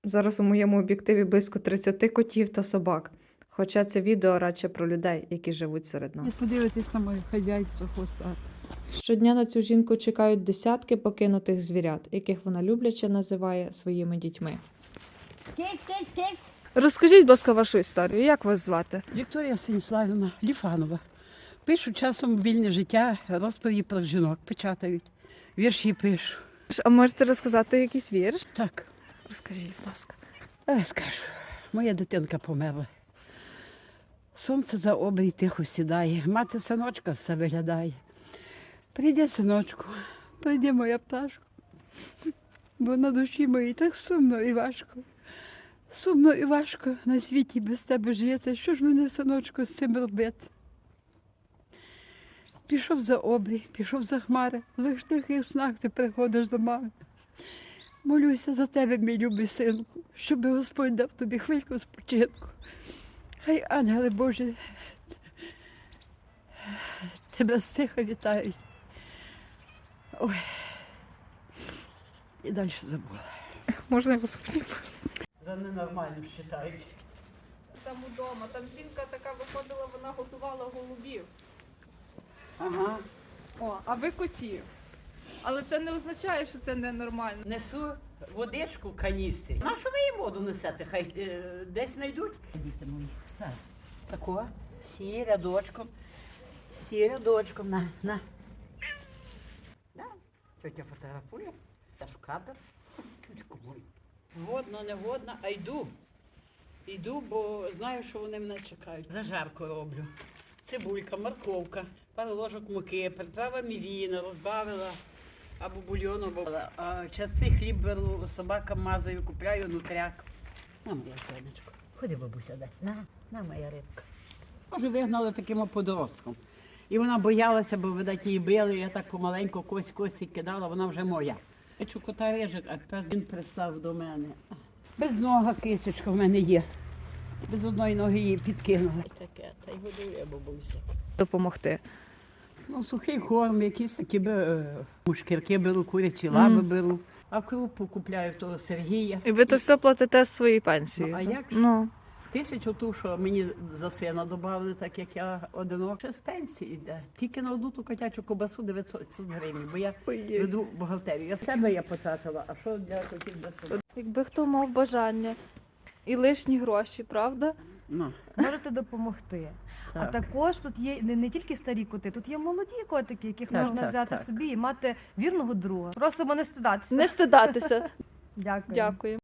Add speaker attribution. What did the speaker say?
Speaker 1: Зараз у моєму об'єктиві близько 30 котів та собак. Хоча це відео радше про людей, які живуть серед нас.
Speaker 2: Якщо дивитися моє хазяйство хвостат.
Speaker 1: Щодня на цю жінку чекають десятки покинутих звірят, яких вона любляче називає своїми дітьми.
Speaker 3: Кись.
Speaker 1: Розкажіть, будь ласка, вашу історію. Як вас звати?
Speaker 2: Вікторія Станіславівна Ліфанова. Пишу часом вільне життя, розповіді про жінок, печатають. Вірші пишу.
Speaker 1: А можете розказати якийсь вірш?
Speaker 2: Так,
Speaker 1: Розкажіть, будь ласка.
Speaker 2: скажу. Моя дитинка померла. Сонце за обрій тихо сідає, мати синочка все виглядає. Прийде, синочку, прийде моя пташка, бо на душі моїй так сумно і важко. Сумно і важко на світі без тебе жити. Що ж мене, синочку, з цим робити? Пішов за обрій, пішов за хмари, лиш в тихих снах ти приходиш до мами. Молюся за тебе, мій любий синку, щоб Господь дав тобі хвильку спочинку. Хай ангели Божі тебе стиха вітають. Ой, і далі забула.
Speaker 1: Можна я вас обніму?
Speaker 2: За ненормальним вважають.
Speaker 1: Сам удома. Там жінка така виходила, вона готувала голубів.
Speaker 2: Ага.
Speaker 1: О, а ви котів. Але це не означає, що це ненормально.
Speaker 2: Несу водичку в каністрі. На що ви їй воду несете? Хай десь знайдуть. Діти мої. Так. Тако. Всі рядочком. Всі рядочком. На. Да. Тетя фотографує. Я ж кадр. Тючку мою. Годно, не годно, а йду. Йду, бо знаю, що вони мене чекають. Зажарку роблю. Цибулька, морковка, пару ложок муки, приправа мівіна, розбавила. Або бульйону, а частий хліб беру, собакам мазаю, купляю нутряк. На, моя сонечко. Ходи, бабуся, дасть. На, моя рибка. Може, вигнали таким подростком. І вона боялася, бо, видать, її били, я так помаленьку кость кидала, вона вже моя. Я чу кота рижик, а пес він пристав до мене. Без нога кисочка в мене є. Без одної ноги її підкинули. Таке, та й годує бабуся.
Speaker 1: Допомогти.
Speaker 2: Ну, сухий корм, якісь такі мушкірки беру, курячі лаби беру. А крупу купляю того Сергія.
Speaker 1: І ви то все платите з своєї пенсії?
Speaker 2: Ну, а
Speaker 1: так?
Speaker 2: як ж?
Speaker 1: Ну.
Speaker 2: 1000 ту, що мені за сина додали, так як я одинок. Ще з пенсії йде. Тільки на одну ту котячу кобасу 900 гривень, бо я веду бухгалтерію. Я себе я потратила, а що для котів для себе?
Speaker 1: Якби хто мав бажання і лишні гроші, правда?
Speaker 2: Ну,
Speaker 4: Можете допомогти. А
Speaker 2: так.
Speaker 4: також тут є не тільки старі коти, тут є молоді котики, яких
Speaker 2: Так,
Speaker 4: можна
Speaker 2: так,
Speaker 4: взяти
Speaker 2: так.
Speaker 4: собі і мати вірного друга. Просимо не стидатися.
Speaker 1: Не стидатися.
Speaker 4: Дякую.
Speaker 1: Дякую.